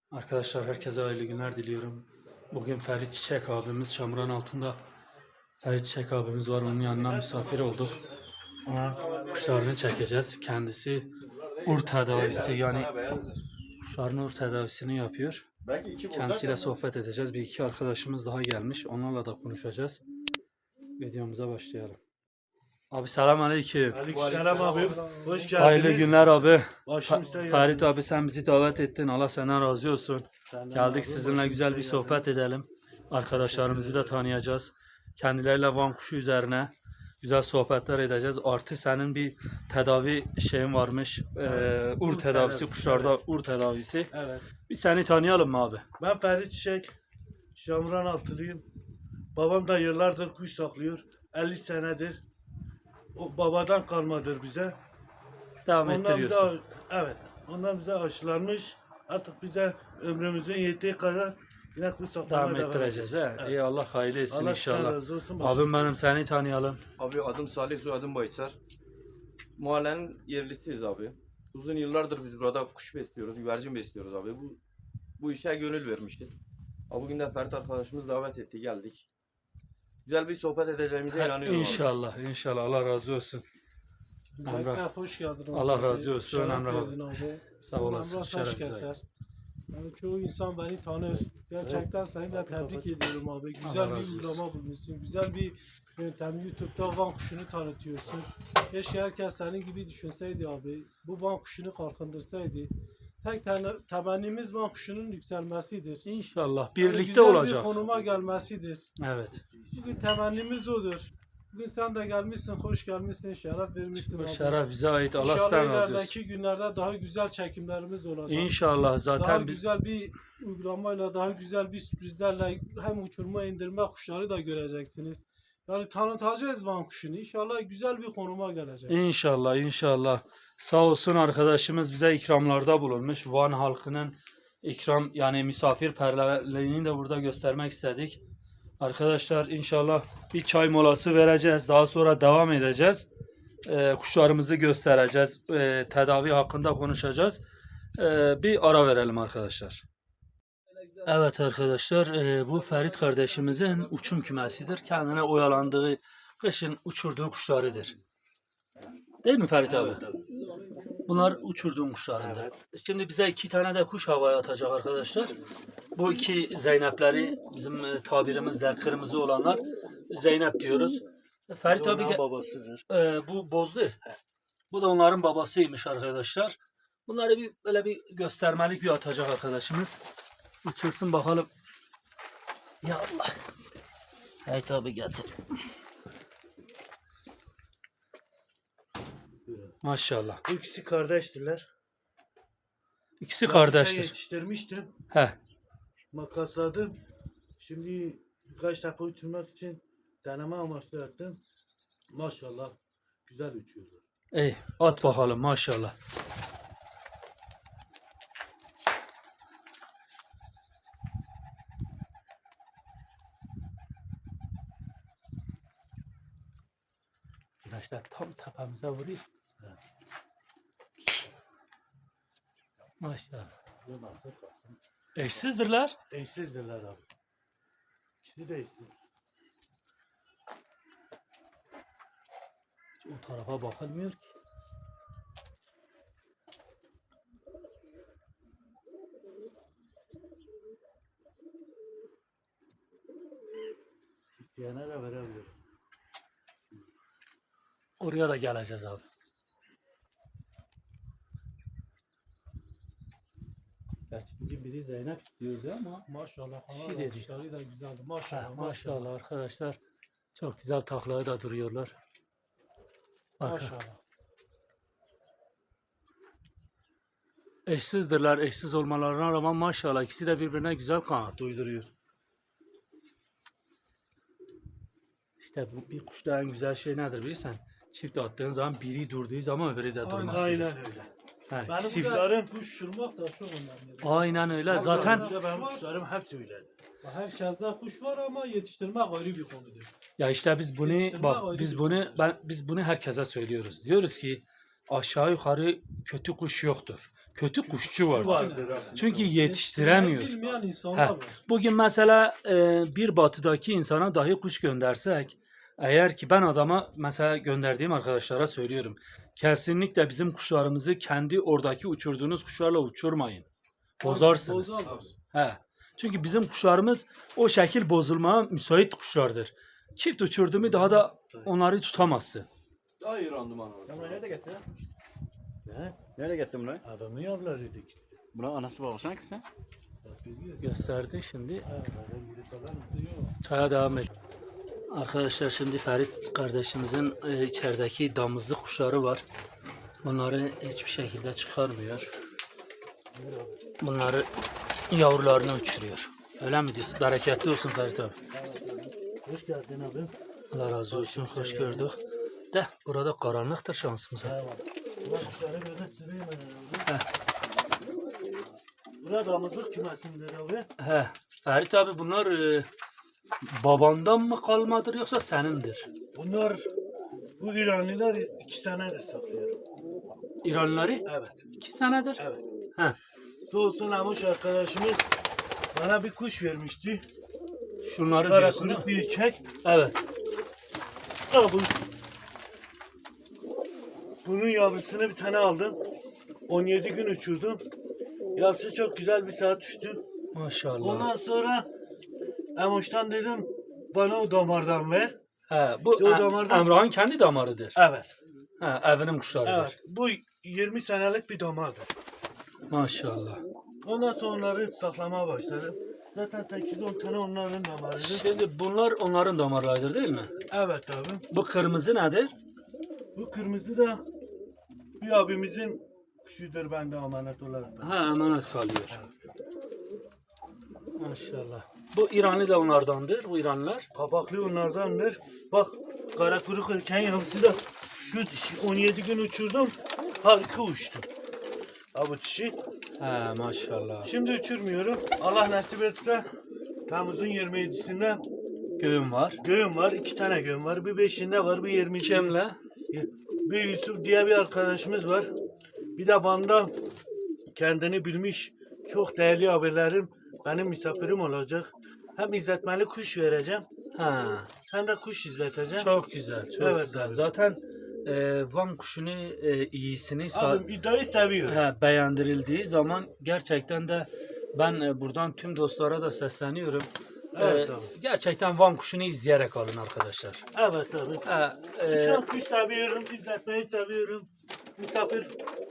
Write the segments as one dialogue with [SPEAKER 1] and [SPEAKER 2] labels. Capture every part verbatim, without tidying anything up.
[SPEAKER 1] Arkadaşlar herkese hayırlı günler diliyorum. Bugün Ferit Çiçek abimiz çamurun altında. Ferit Çiçek abimiz var, onun yanına misafir olduk. Ona kuşlarını çekeceğiz. Kendisi ur tedavisi yani kuşların ur tedavisini yapıyor. Kendisiyle sohbet edeceğiz. Bir iki arkadaşımız daha gelmiş. Onlarla da konuşacağız. Videomuza başlayalım. Abi selam aleyküm.
[SPEAKER 2] Aleykümselam abi. Hoş geldiniz.
[SPEAKER 1] Hayırlı günler abi.
[SPEAKER 2] Başımızda
[SPEAKER 1] Ferit abi sen bizi davet ettin. Allah senden razı olsun.
[SPEAKER 2] Senden
[SPEAKER 1] Geldik
[SPEAKER 2] abi,
[SPEAKER 1] sizinle
[SPEAKER 2] başımızda
[SPEAKER 1] güzel bir sohbet edelim. Arkadaşlarımızı da tanıyacağız. Kendileriyle Van kuşu üzerine güzel sohbetler edeceğiz. Artı senin bir tedavi şeyin varmış. Ee, ur,
[SPEAKER 2] Ur
[SPEAKER 1] tedavisi
[SPEAKER 2] tedavisi,
[SPEAKER 1] kuşlarda
[SPEAKER 2] evet.
[SPEAKER 1] ur tedavisi.
[SPEAKER 2] Evet.
[SPEAKER 1] Bir seni tanıyalım mı abi?
[SPEAKER 2] Ben Ferit Çiçek. Şamran altılıyım. Babam da yıllardır kuş saklıyor. elli senedir. O babadan kalmadır bize.
[SPEAKER 1] Devam
[SPEAKER 2] Ondan bize,
[SPEAKER 1] ettiriyorsun.
[SPEAKER 2] evet. Ondan bize aşılanmış. Artık bize ömrümüzün yettiği kadar yine kuş saklamaya
[SPEAKER 1] Devam ettireceğiz. He?
[SPEAKER 2] Evet.
[SPEAKER 1] İyi Allah hayırlı etsin
[SPEAKER 2] Allah
[SPEAKER 1] inşallah.
[SPEAKER 2] sizden razı olsun.
[SPEAKER 1] Abim benim seni tanıyalım.
[SPEAKER 3] Abi adım Salih, soyadım Bayçar. Mahallenin yerlisiyiz abi. Uzun yıllardır biz burada kuş besliyoruz, güvercin besliyoruz abi. Bu bu işe gönül vermişiz. Abi bugün de Ferit arkadaşımız davet etti, geldik. Güzel bir sohbet edeceğimize inanıyorum abi.
[SPEAKER 1] İnşallah, inşallah. Allah razı olsun.
[SPEAKER 4] Öncelikle
[SPEAKER 1] Emrah.
[SPEAKER 4] hoş geldin.
[SPEAKER 1] Allah
[SPEAKER 4] Abi.
[SPEAKER 1] razı olsun,
[SPEAKER 4] Şeref
[SPEAKER 1] Emrah
[SPEAKER 4] verdin abi.
[SPEAKER 1] Sağ olasın,
[SPEAKER 4] Emrah
[SPEAKER 1] şeref
[SPEAKER 4] taş
[SPEAKER 1] bize.
[SPEAKER 4] keser. Yani çoğu insan beni tanır. Gerçekten seni de tebrik ediyorum abi.
[SPEAKER 1] Allah
[SPEAKER 4] Güzel
[SPEAKER 1] razı
[SPEAKER 4] bir
[SPEAKER 1] olsun.
[SPEAKER 4] uygulama bulmuşsun. Güzel bir yöntem. YouTube'da Van kuşunu tanıtıyorsun. Keşke herkes senin gibi düşünseydi abi. Bu Van kuşunu kalkındırsaydı. Tek tane- temennimiz Van kuşunun yükselmesidir.
[SPEAKER 1] İnşallah.
[SPEAKER 4] Yani
[SPEAKER 1] Birlikte
[SPEAKER 4] güzel
[SPEAKER 1] olacak.
[SPEAKER 4] bir konuma gelmesidir.
[SPEAKER 1] Evet.
[SPEAKER 4] Bugün temennimiz odur. Bugün sen de gelmişsin, hoş gelmişsin, şeref vermişsin
[SPEAKER 1] Bu
[SPEAKER 4] abi.
[SPEAKER 1] şeref bize ait. Allah
[SPEAKER 4] İnşallah
[SPEAKER 1] sizden razı olsun.
[SPEAKER 4] ilerideki günlerde daha güzel çekimlerimiz olacak.
[SPEAKER 1] İnşallah
[SPEAKER 4] Daha
[SPEAKER 1] zaten biz
[SPEAKER 4] güzel bir uygulamayla, daha güzel bir sürprizlerle hem uçurma indirme kuşları da göreceksiniz. Yani tanıtacağız Van kuşunu. İnşallah güzel bir konuma gelecek.
[SPEAKER 1] inşallah inşallah sağ olsun arkadaşımız bize ikramlarda bulunmuş. Van halkının ikram yani misafirperverliğini de burada göstermek istedik. Arkadaşlar inşallah bir çay molası vereceğiz. Daha sonra devam edeceğiz. Ee, kuşlarımızı göstereceğiz. Ee, tedavi hakkında konuşacağız. Ee, bir ara verelim arkadaşlar. Evet arkadaşlar, e, bu Ferit kardeşimizin uçum kümesidir. Kendine oyalandığı, kışın uçurduğu kuşlarıdır. Değil mi Ferit abi? Bunlar uçurduğum kuşlarındır. Şimdi bize iki tane de kuş havaya atacak arkadaşlar. Bu iki Zeynepleri bizim e, tabirimizle kırmızı olanlar Zeynep diyoruz. Ferit abi ge-
[SPEAKER 2] babasıdır.
[SPEAKER 1] e, bu bozdu. Bu da onların babasıymış arkadaşlar. Bunları bir böyle bir göstermelik bir atacak arkadaşımız. Uçursun bakalım. Ya Allah. Hey tabi getir. Maşallah.
[SPEAKER 2] Bu ikisi kardeştiler.
[SPEAKER 1] İkisi
[SPEAKER 2] Ben
[SPEAKER 1] kardeştir.
[SPEAKER 2] yetiştirmiştim.
[SPEAKER 1] He.
[SPEAKER 2] Makasladım. Şimdi birkaç defa uçurmak için deneme amaçlı yaptım. Maşallah güzel uçuyorlar.
[SPEAKER 1] İyi. At bakalım maşallah. Güneşler tam tepemize vuruyor. Maşallah. Eşsizdirler.
[SPEAKER 2] Eşsizdirler abi. İkisi de eşsiz.
[SPEAKER 1] Hiç o tarafa bakılmıyor ki.
[SPEAKER 2] İsteyene de verebilir.
[SPEAKER 1] Oraya da geleceğiz abi. Gerçi bugün biri Zeynep diyordu ama
[SPEAKER 4] Maşallah.
[SPEAKER 1] Şey
[SPEAKER 4] Şey
[SPEAKER 1] dedi.
[SPEAKER 4] kuşları da güzeldi.
[SPEAKER 1] Ha,
[SPEAKER 4] Maşallah.
[SPEAKER 1] maşallah arkadaşlar. Çok güzel taklaya da duruyorlar. Bakın.
[SPEAKER 4] Maşallah.
[SPEAKER 1] Eşsizdirler. Eşsiz olmalarına rağmen maşallah ikisi de birbirine güzel kanat uyduruyor. İşte bu bir kuşta en güzel şey nedir bilirsen? Çift attığın zaman biri durduğu zaman öbürü de durmasıdır.
[SPEAKER 2] Aynen öyle.
[SPEAKER 1] Ha,
[SPEAKER 4] Benim
[SPEAKER 1] ikisi-
[SPEAKER 4] burada kuş uçurmak da çok önemli.
[SPEAKER 1] Aynen öyle. Zaten
[SPEAKER 2] Bir de benim kuşlarım hepsi öyle.
[SPEAKER 4] Herkeste kuş var ama yetiştirmek ayrı bir konudur.
[SPEAKER 1] ya işte biz bunu
[SPEAKER 4] Yetiştirme
[SPEAKER 1] bak
[SPEAKER 4] ayrı
[SPEAKER 1] biz
[SPEAKER 4] bir
[SPEAKER 1] bunu
[SPEAKER 4] konudur.
[SPEAKER 1] ben biz bunu herkese söylüyoruz. Diyoruz ki aşağı yukarı kötü kuş yoktur. Kötü kuşçu vardır.
[SPEAKER 2] Vardır aslında.
[SPEAKER 1] Çünkü yetiştiremiyor.
[SPEAKER 4] Bilmeyen insanlar
[SPEAKER 1] Heh.
[SPEAKER 4] var.
[SPEAKER 1] Bugün mesela e, bir batıdaki insana dahi kuş göndersek, eğer ki ben adama mesela gönderdiğim arkadaşlara söylüyorum. Kesinlikle bizim kuşlarımızı kendi oradaki uçurduğunuz kuşlarla uçurmayın. Bozarsınız.
[SPEAKER 4] Bozarlar.
[SPEAKER 1] He. Çünkü bizim kuşlarımız o şekil bozulmaya müsait kuşlardır. Çift uçurdu mu daha da onları tutamazsın.
[SPEAKER 3] Daha iyi randıman alır.
[SPEAKER 5] Sen bunu nerede getirdin?
[SPEAKER 2] Ne?
[SPEAKER 5] Nerede getirdin bunu?
[SPEAKER 2] Adamı yavlarıydık.
[SPEAKER 5] Buna anası babası hangisi?
[SPEAKER 1] Gösterdin şimdi.
[SPEAKER 2] Ha, böyle gidip alalım diyor.
[SPEAKER 1] Çaya devam et. Arkadaşlar şimdi Ferit kardeşimizin e, içerideki damızlı kuşları var. Bunları hiçbir şekilde çıkarmıyor. Bunları yavrularını uçuruyor. Öyle mi diyorsun? Bereketli olsun Ferit abi.
[SPEAKER 2] Hoş geldin abi.
[SPEAKER 1] Allah razı olsun. Hoş gördük. De burada karanlıktır şansımıza.
[SPEAKER 2] Ha, ulan kuşları böyle süreyim ben
[SPEAKER 1] Heh.
[SPEAKER 2] abi. Burada damızlık kümesindir abi.
[SPEAKER 1] He. Ferit abi bunlar e, babandan mı kalmadır yoksa senindir?
[SPEAKER 2] Bunlar, bu İranlılar iki senedir saklıyor.
[SPEAKER 1] İranlıları?
[SPEAKER 2] Evet.
[SPEAKER 1] İki senedir.
[SPEAKER 2] Evet.
[SPEAKER 1] He.
[SPEAKER 2] Doğusun Amuş arkadaşımız bana bir kuş vermişti.
[SPEAKER 1] Şunları
[SPEAKER 2] Kara
[SPEAKER 1] diyorsun değil
[SPEAKER 2] kuyruk
[SPEAKER 1] mi?
[SPEAKER 2] bir çek.
[SPEAKER 1] Evet.
[SPEAKER 2] Ha, bu. Bunun yavrusunu bir tane aldım. on yedi gün uçurdum. Yavrusu çok güzel bir saat uçtu.
[SPEAKER 1] Maşallah.
[SPEAKER 2] Ondan sonra Emoş'tan dedim bana o damardan ver.
[SPEAKER 1] He, bu
[SPEAKER 2] İşte o
[SPEAKER 1] Em-
[SPEAKER 2] damardan-
[SPEAKER 1] Emrah'ın kendi damarıdır.
[SPEAKER 2] Evet.
[SPEAKER 1] He, evinin kuşlarıdır.
[SPEAKER 2] Evet. Bu yirmi senelik bir damardır.
[SPEAKER 1] Maşallah.
[SPEAKER 2] Ondan sonra onları saklamaya başladım. Zaten sekiz on tane onların damarıdır.
[SPEAKER 1] Şimdi bunlar onların damarlarıdır değil mi?
[SPEAKER 2] Evet abi.
[SPEAKER 1] Bu kırmızı nedir?
[SPEAKER 2] Bu kırmızı da bir abimizin kuşudur bende emanet olarak.
[SPEAKER 1] Ha, emanet kalıyor. Maşallah. Bu İranlı da onlardandır, bu İranlılar.
[SPEAKER 2] Kapaklı onlardandır. Bak kara kuyruk erken yavrusu da şu dişi on yedi gün uçurdum. Harika uçtu. Ha bu dişi.
[SPEAKER 1] He, maşallah.
[SPEAKER 2] Şimdi uçurmuyorum. Allah nasip etse Temmuz'un yirmi yedisinde
[SPEAKER 1] Göğüm var.
[SPEAKER 2] göğüm var. iki tane göğüm var. Bir beşinde var, bir yirmi ikisinde.
[SPEAKER 1] Kimle?
[SPEAKER 2] Bir Yusuf diye bir arkadaşımız var. Bir de Van'da kendini bilmiş çok değerli abilerim benim misafirim olacak. Hem izletmeli kuş vereceğim
[SPEAKER 1] Ha,
[SPEAKER 2] hem de kuş izleteceğim.
[SPEAKER 1] çok güzel, çok
[SPEAKER 2] Evet,
[SPEAKER 1] güzel.
[SPEAKER 2] abi.
[SPEAKER 1] Zaten e, Van kuşunu e, iyisini sa-
[SPEAKER 2] Abim iddiayı seviyor.
[SPEAKER 1] he, beğendirildiği zaman gerçekten de ben e, buradan tüm dostlara da sesleniyorum.
[SPEAKER 2] Evet
[SPEAKER 1] E,
[SPEAKER 2] abi.
[SPEAKER 1] gerçekten Van kuşunu izleyerek alın arkadaşlar.
[SPEAKER 2] Evet abi.
[SPEAKER 1] He, e,
[SPEAKER 2] Çok kuş seviyorum, izletmeyi seviyorum. Misafir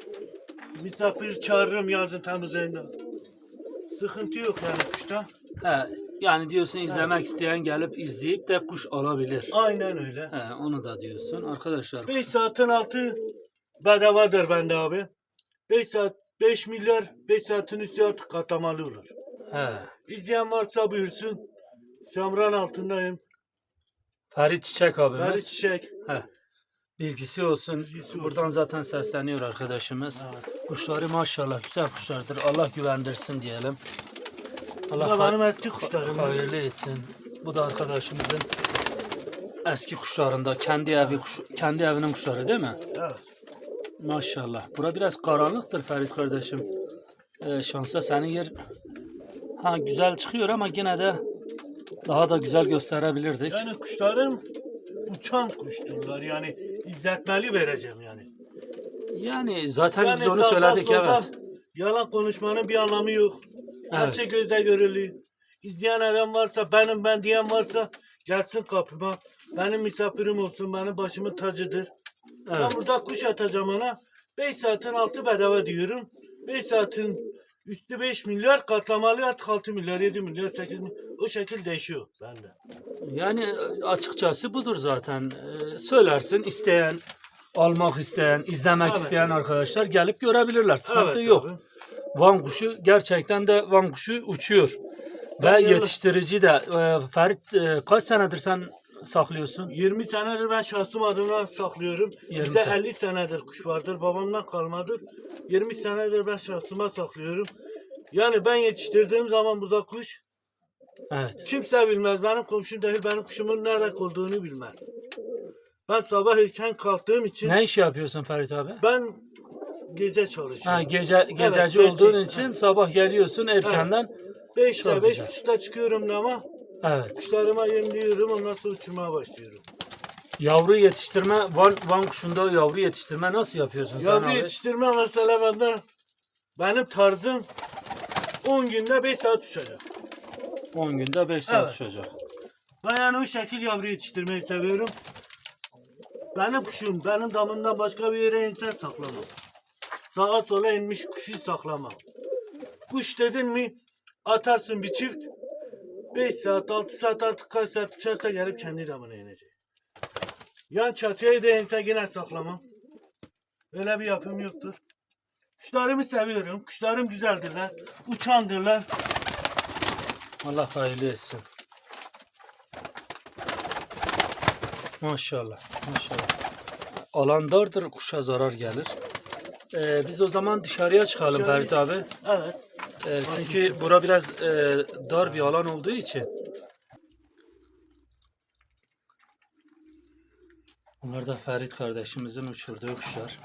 [SPEAKER 2] misafir çağırırım yazın Temmuz ayında. Sıkıntı yok yani kuşta.
[SPEAKER 1] he, yani diyorsun izlemek isteyen gelip izleyip de kuş alabilir.
[SPEAKER 2] Aynen öyle.
[SPEAKER 1] He, onu da diyorsun arkadaşlar.
[SPEAKER 2] beş saatin altı bedavadır bende abi. beş saat beş milyar beş saatin üstü artık katlamalı olur.
[SPEAKER 1] He.
[SPEAKER 2] İzleyen varsa buyursun. Şamran altındayım.
[SPEAKER 1] Ferit Çiçek abimiz.
[SPEAKER 2] Ferit Çiçek.
[SPEAKER 1] He. Bilgisi olsun.
[SPEAKER 2] Bilgisi olsun.
[SPEAKER 1] Buradan zaten sesleniyor arkadaşımız.
[SPEAKER 2] Evet.
[SPEAKER 1] Kuşları maşallah güzel kuşlardır. Allah güvendirsin diyelim.
[SPEAKER 2] Bu da
[SPEAKER 1] Allah
[SPEAKER 2] benim
[SPEAKER 1] ha-
[SPEAKER 2] eski kuşlarım.
[SPEAKER 1] hayırlı etsin. Bu da arkadaşımızın eski kuşlarında kendi evi kuş, kendi evinin kuşları değil mi?
[SPEAKER 2] Evet.
[SPEAKER 1] Maşallah. Bura biraz karanlıktır Ferit kardeşim. Ee, şansa senin yer ha güzel çıkıyor ama yine de daha da güzel gösterebilirdik.
[SPEAKER 2] Yani kuşlarım uçan kuşturlar. Yani izletmeli vereceğim yani.
[SPEAKER 1] Yani zaten
[SPEAKER 2] Yani
[SPEAKER 1] biz onu
[SPEAKER 2] sağda
[SPEAKER 1] söyledik
[SPEAKER 2] solda
[SPEAKER 1] evet.
[SPEAKER 2] Yalan konuşmanın bir anlamı yok. Her
[SPEAKER 1] Evet.
[SPEAKER 2] şey gözle görülüyor. İzleyen adam varsa, benim ben diyen varsa gelsin kapıma. Benim misafirim olsun, benim başımın tacıdır. Ben
[SPEAKER 1] Evet.
[SPEAKER 2] burada kuş atacağım ona. beş saatin altı bedava diyorum. beş saatin üstü beş milyar, katlamalı artık altı milyar, yedi milyar, sekiz milyar. O şekil değişiyor bende.
[SPEAKER 1] Yani açıkçası budur zaten. Ee, söylersin isteyen, almak isteyen, izlemek
[SPEAKER 2] Evet.
[SPEAKER 1] isteyen arkadaşlar gelip görebilirler. Sıkıntı yok.
[SPEAKER 2] abi.
[SPEAKER 1] Van kuşu gerçekten de Van kuşu uçuyor. Ve
[SPEAKER 2] Ben
[SPEAKER 1] yetiştirici de e, Ferit e, kaç senedir sen saklıyorsun?
[SPEAKER 2] yirmi senedir ben şahsım adına saklıyorum.
[SPEAKER 1] yirmi
[SPEAKER 2] Bizde
[SPEAKER 1] sene.
[SPEAKER 2] elli senedir kuş vardır. Babamdan kalmadır. yirmi senedir ben şahsıma saklıyorum. Yani ben yetiştirdiğim zaman burada kuş
[SPEAKER 1] Evet.
[SPEAKER 2] kimse bilmez. Benim komşum değil, benim kuşumun nerede olduğunu bilmez. Ben sabah erken kalktığım için
[SPEAKER 1] Ne iş yapıyorsun Ferit abi?
[SPEAKER 2] ben gece çalışıyorum.
[SPEAKER 1] Ha, gece gececi
[SPEAKER 2] Evet,
[SPEAKER 1] olduğun
[SPEAKER 2] bekçi.
[SPEAKER 1] için sabah geliyorsun erkenden.
[SPEAKER 2] beşte
[SPEAKER 1] Çok
[SPEAKER 2] beş
[SPEAKER 1] güzel.
[SPEAKER 2] buçukta çıkıyorum ama
[SPEAKER 1] Evet.
[SPEAKER 2] kuşlarıma yemliyorum, ondan sonra uçurmaya başlıyorum.
[SPEAKER 1] Yavru yetiştirme, Van, Van kuşunda yavru yetiştirme nasıl yapıyorsun sen
[SPEAKER 2] Yavru
[SPEAKER 1] abi?
[SPEAKER 2] yetiştirme mesela bende benim tarzım on günde beş saat uçacak.
[SPEAKER 1] on günde beş saat
[SPEAKER 2] Evet.
[SPEAKER 1] uçacak.
[SPEAKER 2] Ben yani o şekil yavru yetiştirmeyi seviyorum. Benim kuşum benim damından başka bir yere insan saklamam. Sağa sola inmiş kuşu saklamam. Kuş dedin mi atarsın bir çift. beş saat altı saat artık kaç saat uçarsa gelip kendi damına inecek. Yan çatıya da inse yine saklamam. Öyle bir yapım yoktur. Kuşlarımı seviyorum. Kuşlarım güzeldirler. Uçandırlar.
[SPEAKER 1] Allah hayırlı etsin. Maşallah, maşallah. Alan dardır, kuşa zarar gelir. Ee, biz o zaman dışarıya çıkalım
[SPEAKER 2] Dışarı-
[SPEAKER 1] Ferit abi.
[SPEAKER 2] Evet.
[SPEAKER 1] Ee, çünkü bura biraz e, dar bir alan olduğu için. Bunlar da Ferit kardeşimizin uçurduğu kuşlar.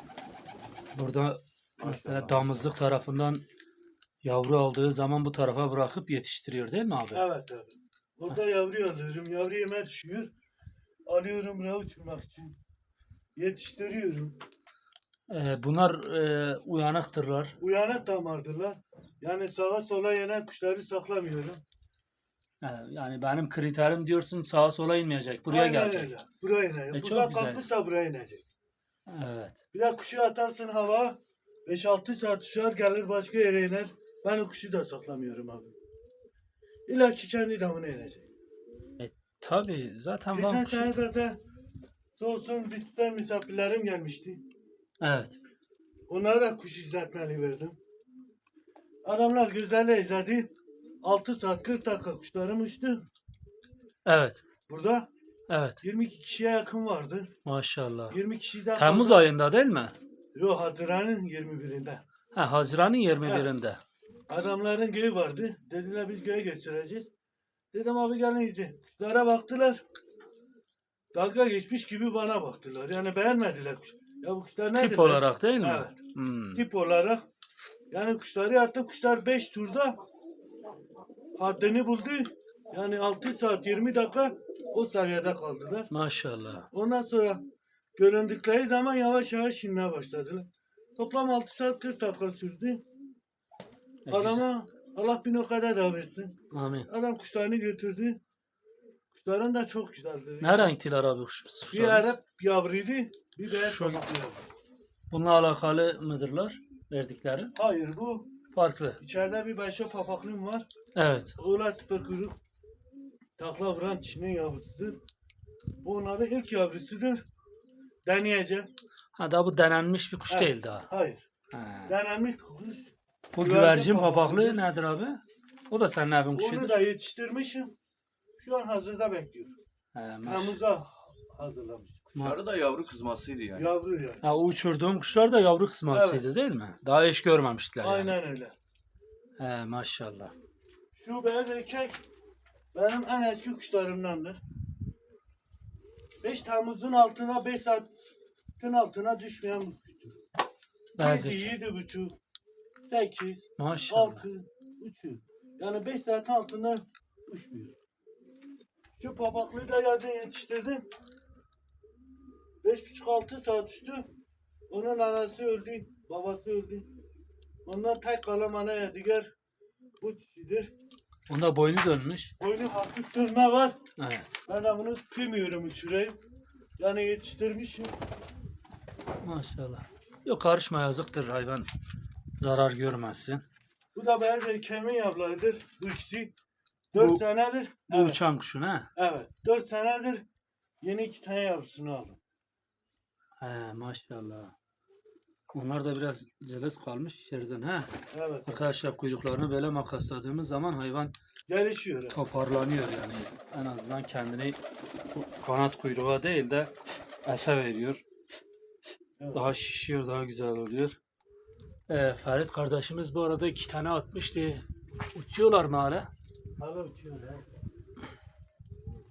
[SPEAKER 1] Burada mesela damızlık tarafından yavru aldığı zaman bu tarafa bırakıp yetiştiriyor değil mi abi?
[SPEAKER 2] Evet evet. Burada yavru alıyorum. Yavru yeme düşüyor. Alıyorum buraya uçurmak için. Yetiştiriyorum.
[SPEAKER 1] Ee, bunlar e, uyanıktırlar.
[SPEAKER 2] Uyanık damardırlar. Yani sağa sola yenen kuşları saklamıyorum.
[SPEAKER 1] Ee, yani benim kriterim diyorsun sağa sola inmeyecek. Buraya
[SPEAKER 2] Aynen
[SPEAKER 1] gelecek.
[SPEAKER 2] öyle. Buraya inecek.
[SPEAKER 1] E, çok
[SPEAKER 2] Buradan
[SPEAKER 1] güzel.
[SPEAKER 2] kalkmışsa buraya inecek.
[SPEAKER 1] Evet.
[SPEAKER 2] Bir de kuşu atarsın hava. beş altı saat uçar gelir başka yere iner. Ben o kuşu da saklamıyorum abi. İlla ki kendi damına inecek.
[SPEAKER 1] Tabii zaten
[SPEAKER 2] Geçen
[SPEAKER 1] Van kuşu.
[SPEAKER 2] sene zaten Soğusun bizden misafirlerim gelmişti.
[SPEAKER 1] Evet.
[SPEAKER 2] Onlara da kuş izletmeli verdim. Adamlar gözlerle izledi. altı saat kırk dakika kuşlarım uçtu.
[SPEAKER 1] Evet.
[SPEAKER 2] Burada
[SPEAKER 1] Evet.
[SPEAKER 2] yirmi iki kişiye yakın vardı.
[SPEAKER 1] Maşallah.
[SPEAKER 2] yirmi kişiden
[SPEAKER 1] Temmuz
[SPEAKER 2] fazla-
[SPEAKER 1] ayında değil mi?
[SPEAKER 2] Yok, Haziran'ın yirmi birinde.
[SPEAKER 1] Ha, Haziran'ın yirmi birinde.
[SPEAKER 2] Adamların göğü vardı. Dediler biz göğe götüreceğiz. Dedim abi gelin iyice. Kuşlara baktılar. Dalga geçmiş gibi bana baktılar. Yani beğenmediler kuş. Ya bu kuşlar nedir?
[SPEAKER 1] Tip olarak değil mi?
[SPEAKER 2] Evet.
[SPEAKER 1] Hmm.
[SPEAKER 2] Tip olarak. Yani kuşları attım. Kuşlar beş turda haddini buldu. Yani altı saat yirmi dakika o seviyede kaldılar.
[SPEAKER 1] Maşallah.
[SPEAKER 2] Ondan sonra göründükleri zaman yavaş yavaş inmeye başladılar. Toplam altı saat kırk dakika sürdü.
[SPEAKER 1] E, güzel.
[SPEAKER 2] Adama Allah bin o kadar da versin.
[SPEAKER 1] Amin.
[SPEAKER 2] Adam kuşlarını götürdü. Kuşların da çok güzeldi.
[SPEAKER 1] Ne renktiler abi kuş-
[SPEAKER 2] Bir
[SPEAKER 1] kuşlarınız?
[SPEAKER 2] Arap yavruydu, bir beyaz
[SPEAKER 1] Şu-
[SPEAKER 2] kabuklu yavru.
[SPEAKER 1] Bununla alakalı mıdırlar verdikleri?
[SPEAKER 2] Hayır, bu
[SPEAKER 1] Farklı.
[SPEAKER 2] içeride bir başka papaklım var.
[SPEAKER 1] Evet.
[SPEAKER 2] Oğlan sıfır kuyruk. Takla vuran çinin yavrusudur. Bu onların ilk yavrusudur. Deneyeceğim.
[SPEAKER 1] Ha da bu denenmiş bir kuş
[SPEAKER 2] Evet.
[SPEAKER 1] değil daha.
[SPEAKER 2] Hayır.
[SPEAKER 1] Ha.
[SPEAKER 2] Denenmiş kuş.
[SPEAKER 1] Bu
[SPEAKER 2] Güvercin
[SPEAKER 1] güvercin
[SPEAKER 2] papaklı.
[SPEAKER 1] papaklı nedir abi? O da senin evin
[SPEAKER 2] Onu
[SPEAKER 1] kuşudur.
[SPEAKER 2] da yetiştirmişim. Şu an hazırda bekliyorum.
[SPEAKER 1] He, maş-
[SPEAKER 2] Temmuz'a hazırlamış.
[SPEAKER 5] Kuşları da yavru kızmasıydı yani.
[SPEAKER 2] Yavru yani.
[SPEAKER 1] Ha, o uçurduğum kuşlar da yavru kısmasıydı değil mi? Daha eş görmemiştiler yani.
[SPEAKER 2] Aynen öyle.
[SPEAKER 1] He, maşallah.
[SPEAKER 2] Şu beyaz erkek benim en eski kuşlarımdandır. beş Temmuz'un altına beş saatin altına düşmeyen bir kuştur.
[SPEAKER 1] Beyaz
[SPEAKER 2] yedi,
[SPEAKER 1] erkek.
[SPEAKER 2] yedi buçuk, sekiz,
[SPEAKER 1] Maşallah.
[SPEAKER 2] altı, uçuyor. Yani beş saatin altında uçmuyor. Şu papaklıyı da yazın yetiştirdim. beş buçuk altı saat uçtu. Onun anası öldü, babası öldü. Ondan tek kalan ana yadigar bu kişidir.
[SPEAKER 1] Onda boynu dönmüş.
[SPEAKER 2] Boynu hafif dönme var.
[SPEAKER 1] Evet.
[SPEAKER 2] Ben de bunu kıymıyorum uçurayım. Yani yetiştirmişim.
[SPEAKER 1] Maşallah. Yok karışma yazıktır hayvan. Zarar görmezsin.
[SPEAKER 2] Bu da beyaz erkeğimin yavrularıdır. Bu ikisi. Dört
[SPEAKER 1] Bu-
[SPEAKER 2] senedir.
[SPEAKER 1] Bu
[SPEAKER 2] Evet.
[SPEAKER 1] uçan kuşun ha.
[SPEAKER 2] Evet. Dört senedir yeni iki tane yavrusunu aldım.
[SPEAKER 1] He maşallah. Onlar da biraz cılız kalmış içeriden ha.
[SPEAKER 2] Evet.
[SPEAKER 1] Arkadaşlar kuyruklarını böyle makasladığımız zaman hayvan
[SPEAKER 2] Gelişiyor. evet.
[SPEAKER 1] toparlanıyor yani. En azından kendini bu kanat kuyruğa değil de efe veriyor.
[SPEAKER 2] Evet.
[SPEAKER 1] Daha şişiyor, daha güzel oluyor. Ee, Ferit kardeşimiz bu arada iki tane atmıştı. Uçuyorlar mı hala?
[SPEAKER 2] Hala uçuyor. ya.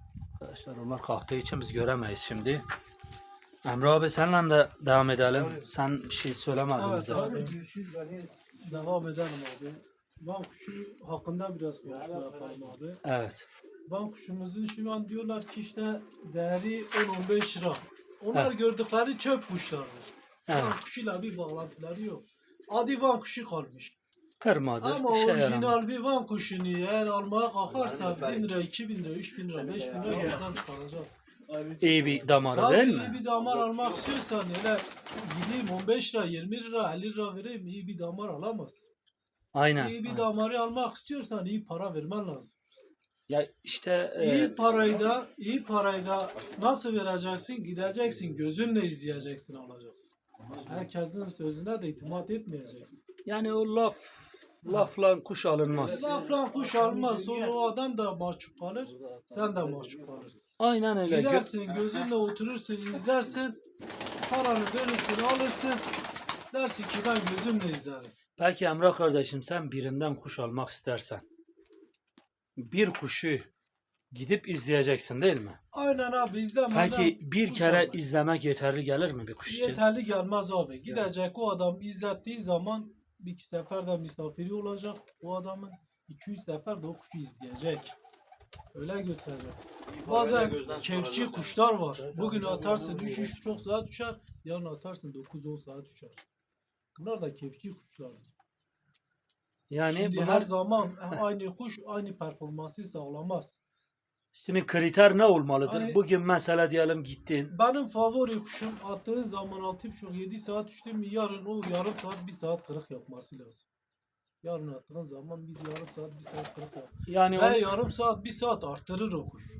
[SPEAKER 1] Arkadaşlar onlar kalktığı için biz göremeyiz şimdi. Emre abi seninle de devam edelim. Sen bir şey söylemedin
[SPEAKER 4] Evet
[SPEAKER 1] bize.
[SPEAKER 4] abi. Devam edelim abi. Van kuşu hakkında biraz konuşma yapalım abi.
[SPEAKER 1] Evet.
[SPEAKER 4] Van kuşumuzun şu an diyorlar ki işte değeri on on beş lira. Onlar gördükleri çöp kuşlardır.
[SPEAKER 1] Evet.
[SPEAKER 4] Van kuşuyla bir bağlantıları yok. Adi Van kuşu kalmış.
[SPEAKER 1] Kırmadır.
[SPEAKER 4] Ama
[SPEAKER 1] işe yaramıyor.
[SPEAKER 4] orijinal bir Van kuşunu eğer almaya kalkarsa bin lira, iki bin lira, üç bin lira, beş bin lira gözden çıkaracağız.
[SPEAKER 1] İyi bir damarı
[SPEAKER 4] Tabii
[SPEAKER 1] değil
[SPEAKER 4] iyi
[SPEAKER 1] mi?
[SPEAKER 4] bir damar almak istiyorsan öyle gideyim on beş lira, yirmi lira, elli lira vereyim iyi bir damar alamaz.
[SPEAKER 1] Aynen.
[SPEAKER 4] İyi bir
[SPEAKER 1] aynen.
[SPEAKER 4] damarı almak istiyorsan iyi para vermen lazım.
[SPEAKER 1] Ya işte e,
[SPEAKER 4] İyi parayı da iyi parayı da nasıl vereceksin? Gideceksin gözünle izleyeceksin alacaksın. Herkesin sözüne de itimat etmeyeceksin.
[SPEAKER 1] yani o laf lafla kuş alınmaz.
[SPEAKER 4] Lafla kuş almaz sonra o adam da mahcup kalır. Sen de mahcup kalırsın.
[SPEAKER 1] Aynen öyle. Gö-
[SPEAKER 4] Gidersin gözünle oturursun izlersin. Paranı dönürsün alırsın. Dersin ki ben gözümle izlerim.
[SPEAKER 1] Peki Emrah kardeşim sen birinden kuş almak istersen bir kuşu gidip izleyeceksin değil mi?
[SPEAKER 4] Aynen abi izlemeden
[SPEAKER 1] Peki bir
[SPEAKER 4] kuş
[SPEAKER 1] kere
[SPEAKER 4] almak.
[SPEAKER 1] izlemek yeterli gelir mi bir kuş için?
[SPEAKER 4] Yeterli gelmez abi. Gidecek o adam izlettiği zaman bir iki sefer de misafiri olacak. O adamın iki üç sefer de o kuşu izleyecek. Öyle götürecek. Bazen kevçi kuşlar var. Bugün atarsın üç üç buçuk saat uçar. Yarın atarsın dokuz on saat uçar. Bunlar da kevçi kuşlardır.
[SPEAKER 1] Yani
[SPEAKER 4] Şimdi
[SPEAKER 1] bunlar
[SPEAKER 4] her zaman aynı kuş aynı performansı sağlamaz.
[SPEAKER 1] şimdi kriter ne olmalıdır?
[SPEAKER 4] Hani-
[SPEAKER 1] Bugün mesela diyelim gittin.
[SPEAKER 4] Benim favori kuşum attığın zaman altı buçuk yedi saat uçtu mu yarın o yarım saat bir saat kırık yapması lazım. Yarın attığın zaman biz yarım saat bir saat kırık yap.
[SPEAKER 1] Yani
[SPEAKER 4] Ve
[SPEAKER 1] o-
[SPEAKER 4] yarım saat bir saat arttırır o kuş.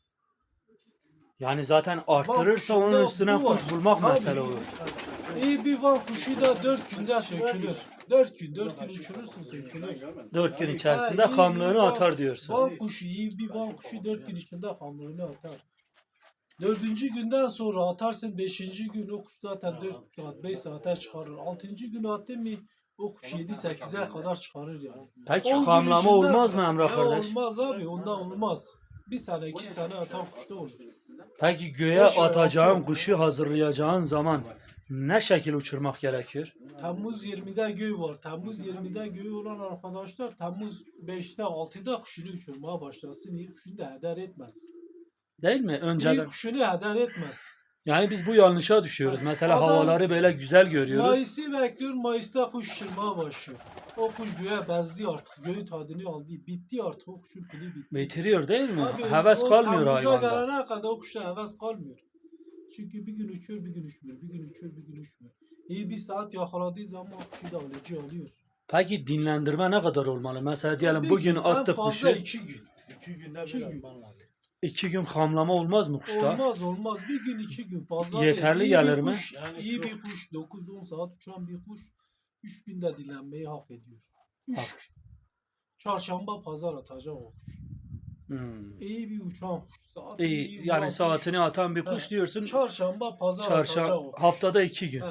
[SPEAKER 1] yani zaten arttırırsa
[SPEAKER 4] Van
[SPEAKER 1] onun
[SPEAKER 4] kuşunda
[SPEAKER 1] üstüne
[SPEAKER 4] bu var.
[SPEAKER 1] kuş bulmak
[SPEAKER 4] Tabii.
[SPEAKER 1] mesele olur.
[SPEAKER 4] İyi bir van kuşu da dört günde sökülür. Dört gün, dört gün uçurursun sökülür.
[SPEAKER 1] Dört gün içerisinde
[SPEAKER 4] Ha, iyi,
[SPEAKER 1] hamlığını
[SPEAKER 4] iyi van-
[SPEAKER 1] atar diyorsun.
[SPEAKER 4] Van kuşu, iyi bir van kuşu dört gün içinde hamlığını atar. Dördüncü günden sonra atarsın, beşinci gün o kuş zaten dört saat, beş saate çıkarır. Altıncı gün attın mı o kuş yedi sekize kadar çıkarır yani.
[SPEAKER 1] Peki
[SPEAKER 4] On gün
[SPEAKER 1] hamlama
[SPEAKER 4] içinde-
[SPEAKER 1] olmaz mı Emrah
[SPEAKER 4] Ya
[SPEAKER 1] kardeş?
[SPEAKER 4] olmaz abi, ondan olmaz. Bir sene, iki sene atan kuşta olur.
[SPEAKER 1] Peki göğe
[SPEAKER 4] Boş ver,
[SPEAKER 1] atacağın
[SPEAKER 4] atıyorum.
[SPEAKER 1] kuşu hazırlayacağın zaman ne şekil uçurmak gerekiyor?
[SPEAKER 4] Temmuz yirmide göğü var. Temmuz yirmide göğü olan arkadaşlar Temmuz beşte altıda kuşunu uçurmaya başlasın. İyi kuşunu da heder etmez.
[SPEAKER 1] Değil mi?
[SPEAKER 4] İyi
[SPEAKER 1] Önceden.
[SPEAKER 4] kuşunu heder etmez.
[SPEAKER 1] Yani biz bu yanlışa düşüyoruz. Mesela
[SPEAKER 4] Adam-
[SPEAKER 1] havaları böyle güzel görüyoruz.
[SPEAKER 4] Mayıs'ı bekliyor. Mayıs'ta kuş uçurmaya başlıyor. O kuş göğe bezdi artık. Göğün tadını aldı. Bitti artık. O kuşun pili bitti.
[SPEAKER 1] Bitiriyor değil mi?
[SPEAKER 4] Abi,
[SPEAKER 1] Heves
[SPEAKER 4] o
[SPEAKER 1] kalmıyor
[SPEAKER 4] Temmuz'a
[SPEAKER 1] hayvanda.
[SPEAKER 4] gelene kadar o kuşa heves kalmıyor. Çünkü bir gün uçuyor, bir gün uçmuyor. Bir gün uçuyor, bir gün uçmuyor. İyi bir saat yakaladığı zaman o kuşu da alıcı alıyor.
[SPEAKER 1] Peki dinlendirme ne kadar olmalı? Mesela diyelim
[SPEAKER 4] Bir
[SPEAKER 1] bugün
[SPEAKER 4] gün, en
[SPEAKER 1] attık
[SPEAKER 4] fazla
[SPEAKER 1] kuşu.
[SPEAKER 4] iki gün.
[SPEAKER 2] İki günde
[SPEAKER 4] İki
[SPEAKER 2] bir
[SPEAKER 4] gün.
[SPEAKER 2] atman lazım.
[SPEAKER 1] iki gün hamlama olmaz mı kuşta?
[SPEAKER 4] Olmaz olmaz. Bir gün iki gün fazla
[SPEAKER 1] Yeterli
[SPEAKER 4] değil. İyi bir
[SPEAKER 1] gelir mi?
[SPEAKER 4] kuş,
[SPEAKER 2] Yani
[SPEAKER 4] iyi
[SPEAKER 2] çok-
[SPEAKER 4] bir kuş dokuz on saat uçan bir kuş üç günde dinlenmeyi hak ediyor. Üç.
[SPEAKER 1] Hak.
[SPEAKER 4] Çarşamba pazar atacak o kuş.
[SPEAKER 1] Hmm.
[SPEAKER 4] İyi bir uçan kuş. Saati
[SPEAKER 1] İyi,
[SPEAKER 4] iyi
[SPEAKER 1] yani
[SPEAKER 4] vuran
[SPEAKER 1] saatini atan bir
[SPEAKER 4] He.
[SPEAKER 1] kuş diyorsun.
[SPEAKER 4] kuş. Çarşamba pazar atacak o
[SPEAKER 1] Çarşamba
[SPEAKER 4] kuş.
[SPEAKER 1] haftada iki gün.
[SPEAKER 4] He.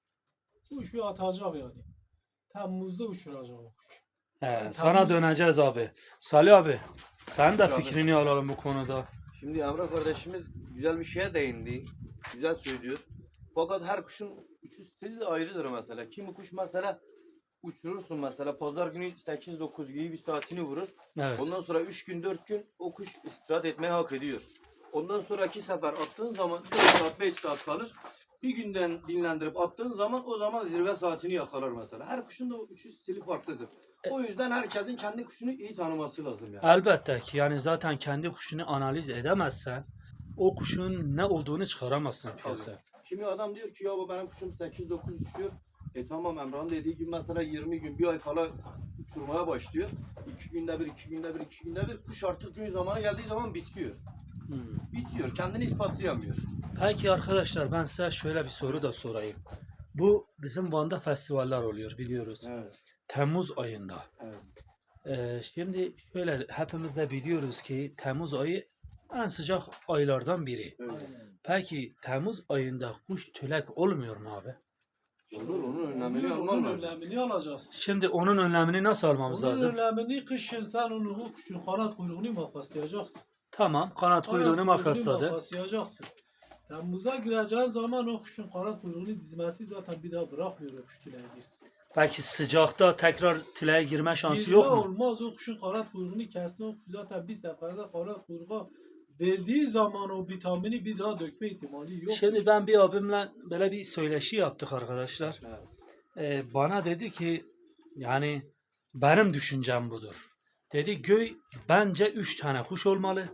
[SPEAKER 4] Kuşu atacak yani. Temmuz'da uçuracak o kuş.
[SPEAKER 1] He,
[SPEAKER 4] Yani
[SPEAKER 1] sana
[SPEAKER 4] Temmuz-
[SPEAKER 1] döneceğiz abi. Salih abi, sen de
[SPEAKER 3] Abi.
[SPEAKER 1] fikrini alalım bu konuda.
[SPEAKER 3] Şimdi Emre kardeşimiz güzel bir şeye değindi. Güzel söylüyor. Fakat her kuşun uçuş stili de ayrıdır mesela. Kimi kuş mesela uçurursun mesela pazar günü sekiz dokuz gibi bir saatini vurur.
[SPEAKER 1] Evet.
[SPEAKER 3] Ondan sonra üç gün dört gün o kuş istirahat etmeyi hak ediyor. Ondan sonraki sefer attığın zaman dört saat beş saat kalır. Bir günden dinlendirip attığın zaman o zaman zirve saatini yakalar mesela. Her kuşun da uçuş stili farklıdır. O yüzden herkesin kendi kuşunu iyi tanıması lazım yani.
[SPEAKER 1] Elbette ki yani zaten kendi kuşunu analiz edemezsen o kuşun ne olduğunu çıkaramazsın piyasaya.
[SPEAKER 3] Kimi adam diyor ki ya bu benim kuşum sekiz dokuz uçuyor. E tamam Emrah'ın dediği gibi mesela yirmi gün bir ay kala uçurmaya başlıyor. iki günde bir, iki günde bir, iki günde bir kuş artık gün zamanı geldiği zaman bitiyor.
[SPEAKER 1] Hmm.
[SPEAKER 3] Bitiyor. Kendini ispatlayamıyor.
[SPEAKER 1] Peki arkadaşlar ben size şöyle bir soru da sorayım. Bu bizim Van'da festivaller oluyor biliyoruz.
[SPEAKER 3] Evet.
[SPEAKER 1] Temmuz ayında.
[SPEAKER 3] Evet.
[SPEAKER 1] Ee, şimdi şöyle hepimiz de biliyoruz ki Temmuz ayı en sıcak aylardan biri.
[SPEAKER 3] Öyle.
[SPEAKER 1] Peki Temmuz ayında kuş tülek olmuyor mu abi?
[SPEAKER 3] Olur onun önlemini
[SPEAKER 4] Onun
[SPEAKER 3] alman lazım.
[SPEAKER 4] önlemini alacağız.
[SPEAKER 1] Şimdi onun önlemini nasıl almamız
[SPEAKER 4] Onun
[SPEAKER 1] lazım?
[SPEAKER 4] önlemini kışın sen onu o kuşun kanat kuyruğunu makaslayacaksın.
[SPEAKER 1] Tamam. Kanat kuyruğunu makasladı.
[SPEAKER 4] Makaslayacaksın. Temmuz'a gireceğin zaman o kuşun kanat kuyruğunu dizmesi zaten bir daha bırakmıyor o kuş tüleye girsin.
[SPEAKER 1] Belki sıcakta tekrar tileye girme şansı
[SPEAKER 4] Girme
[SPEAKER 1] yok mu?
[SPEAKER 4] olmaz, o kuşun kanat kuyruğunu kestin, o kuş zaten bir seferde kanat kuyruğa verdiği zaman o vitamini bir daha dökme ihtimali yok.
[SPEAKER 1] Şimdi ben bir abimle böyle bir söyleşi yaptık arkadaşlar. Ee, bana dedi ki yani benim düşüncem budur. Dedi göy bence üç tane kuş olmalı.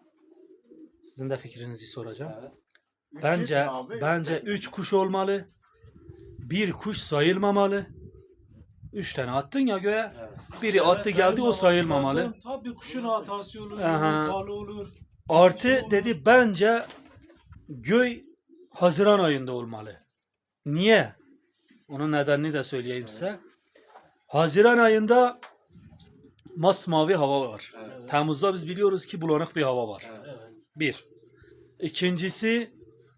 [SPEAKER 1] Sizin de fikrinizi soracağım. Bence bence üç kuş olmalı. Bir kuş sayılmamalı. Üç tane attın ya göğe. Biri attı geldi o sayılmamalı.
[SPEAKER 4] Tabii kuşun hatası olur,
[SPEAKER 1] Aha.
[SPEAKER 4] yumurtalı olur.
[SPEAKER 1] Artı
[SPEAKER 4] olur.
[SPEAKER 1] dedi bence göy Haziran ayında olmalı. Niye? Onun nedenini de söyleyeyim size. Haziran ayında masmavi hava var.
[SPEAKER 3] Evet.
[SPEAKER 1] Temmuz'da biz biliyoruz ki bulanık bir hava var.
[SPEAKER 4] Evet.
[SPEAKER 1] Bir. İkincisi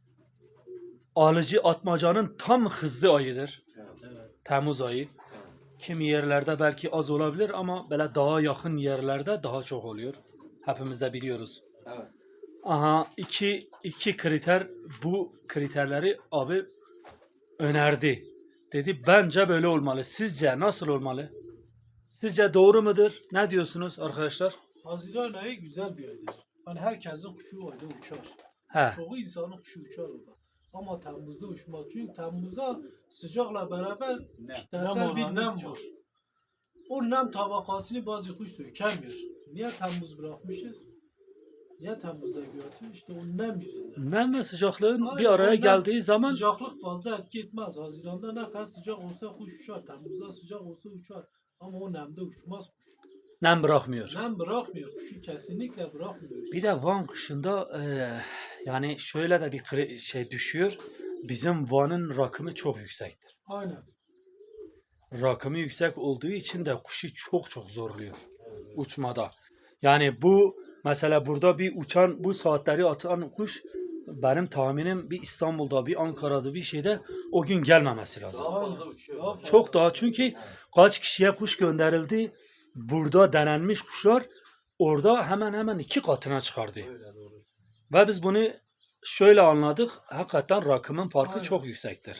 [SPEAKER 1] alıcı atmacanın tam hızlı ayıdır.
[SPEAKER 4] Evet.
[SPEAKER 1] Temmuz ayı. Kimi yerlerde belki az olabilir ama böyle daha yakın yerlerde daha çok oluyor. Hepimiz de biliyoruz.
[SPEAKER 3] Evet.
[SPEAKER 1] Aha iki, iki kriter bu kriterleri abi önerdi. Dedi bence böyle olmalı. Sizce nasıl olmalı? Sizce doğru mudur? Ne diyorsunuz arkadaşlar?
[SPEAKER 4] Haziran ayı güzel bir aydır. Hani herkesin kuşu o ayda uçar.
[SPEAKER 1] He.
[SPEAKER 4] Çoğu insanın kuşu uçar orada. Ama Temmuz'da uçmaz. Çünkü Temmuz'da sıcakla beraber kitlesel bir
[SPEAKER 2] oranı
[SPEAKER 4] nem
[SPEAKER 2] çok.
[SPEAKER 4] var. O nem tabakasını bazı kuş sökemiyor. Niye Temmuz bırakmışız? Niye Temmuz'da götürüyor? İşte o nem yüzünden.
[SPEAKER 1] Nem ve sıcaklığın
[SPEAKER 4] Aynen,
[SPEAKER 1] bir araya
[SPEAKER 4] o nem-
[SPEAKER 1] geldiği zaman
[SPEAKER 4] Sıcaklık fazla etki etmez. Haziran'da ne kadar sıcak olsa kuş uçar. Temmuz'da sıcak olsa uçar. Ama o nemde uçmaz kuş.
[SPEAKER 1] nem bırakmıyor.
[SPEAKER 4] Nem bırakmıyor kuşu. Kesinlikle bırakmıyor.
[SPEAKER 1] Bir de Van kışında eee, yani şöyle de bir kri- şey düşüyor. Bizim Van'ın rakımı çok yüksektir.
[SPEAKER 4] Aynen.
[SPEAKER 1] Rakımı yüksek olduğu için de kuşu çok çok zorluyor uçmada. Yani bu mesela burada bir uçan bu saatleri atan kuş benim tahminim bir İstanbul'da bir Ankara'da bir şeyde o gün gelmemesi lazım.
[SPEAKER 3] Daha fazla uçuyor.
[SPEAKER 4] Daha fazla.
[SPEAKER 1] Çok daha çünkü kaç kişiye kuş gönderildi. Burada denenmiş kuşlar orada hemen hemen iki katına çıkardı.
[SPEAKER 3] Öyle doğru.
[SPEAKER 1] Ve biz bunu şöyle anladık. Hakikaten rakımın farkı
[SPEAKER 4] Aynen.
[SPEAKER 1] çok yüksektir.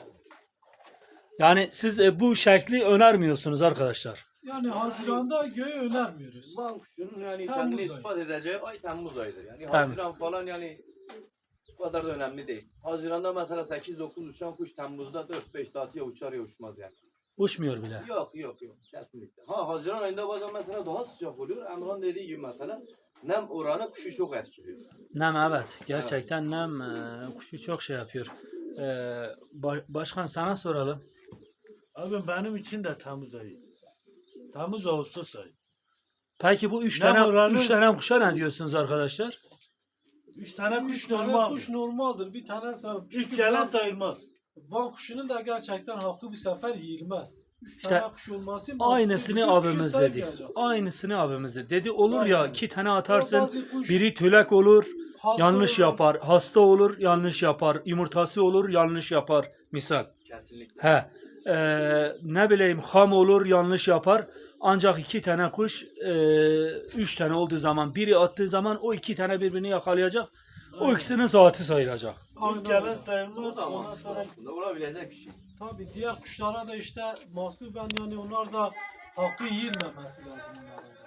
[SPEAKER 1] Yani siz e, bu şekli önermiyorsunuz arkadaşlar.
[SPEAKER 4] Yani Haziran'da göğe önermiyoruz.
[SPEAKER 3] Van kuşunun yani
[SPEAKER 4] Temmuz
[SPEAKER 3] kendini
[SPEAKER 4] ayı.
[SPEAKER 3] ispat edeceği ay Temmuz ayıdır. Yani
[SPEAKER 1] Temmuz.
[SPEAKER 3] Haziran falan yani bu kadar da önemli değil. Haziran'da mesela sekiz dokuz uçan kuş Temmuz'da dört beş saat ya uçar ya uçmaz yani.
[SPEAKER 1] Uçmuyor bile.
[SPEAKER 3] Yok yok yok kesinlikle. Ha Haziran ayında bazen mesela daha sıcak oluyor. Emrah'ın dediği gibi mesela nem oranı kuşu çok etkiliyor.
[SPEAKER 1] Nem evet. Gerçekten nem e, kuşu çok şey yapıyor. E, ba- başkan sana soralım.
[SPEAKER 2] Abi benim için de Temmuz ayı. Temmuz Ağustos ayı.
[SPEAKER 1] Peki bu üç
[SPEAKER 2] Nem
[SPEAKER 1] tane
[SPEAKER 2] oranı-
[SPEAKER 1] üç tane kuşa ne diyorsunuz arkadaşlar?
[SPEAKER 2] Üç tane
[SPEAKER 4] Üç
[SPEAKER 2] kuş
[SPEAKER 4] tane
[SPEAKER 2] normal.
[SPEAKER 4] kuş normaldir. Bir tane sağ.
[SPEAKER 2] Üç gelen sayılmaz.
[SPEAKER 4] Van kuşunun da gerçekten hakkı bir sefer yiyilmez. Üç
[SPEAKER 1] İşte
[SPEAKER 4] tane kuş olması
[SPEAKER 1] Aynısını
[SPEAKER 4] bütün kuşu
[SPEAKER 1] abimiz dedi.
[SPEAKER 4] saymayacaksın.
[SPEAKER 1] Aynısını abimiz dedi. Dedi olur ya
[SPEAKER 4] Aynen.
[SPEAKER 1] iki tane
[SPEAKER 4] Ama
[SPEAKER 1] atarsın.
[SPEAKER 4] bazı kuş
[SPEAKER 1] Biri tülek olur,
[SPEAKER 4] hasta
[SPEAKER 1] yanlış
[SPEAKER 4] olur.
[SPEAKER 1] yapar. Hasta olur, yanlış yapar. Yumurtası olur, yanlış yapar. Misal.
[SPEAKER 3] Kesinlikle.
[SPEAKER 1] He. Ee, ne bileyim ham olur, yanlış yapar. Ancak iki tane kuş, e, üç tane olduğu zaman, biri attığı zaman o iki tane birbirini yakalayacak. O
[SPEAKER 4] Aynen.
[SPEAKER 1] ikisinin saati sayılacak.
[SPEAKER 4] Aynen
[SPEAKER 2] Üç gelen
[SPEAKER 4] öyle.
[SPEAKER 2] sayılmaz.
[SPEAKER 3] O da
[SPEAKER 2] Ondan
[SPEAKER 3] mantıklı
[SPEAKER 2] sonra
[SPEAKER 3] aslında. Olabilecek bir şey.
[SPEAKER 4] Tabii diğer kuşlara da işte mahsuben yani onlar da hakkı yiyilmemesi lazım onların da.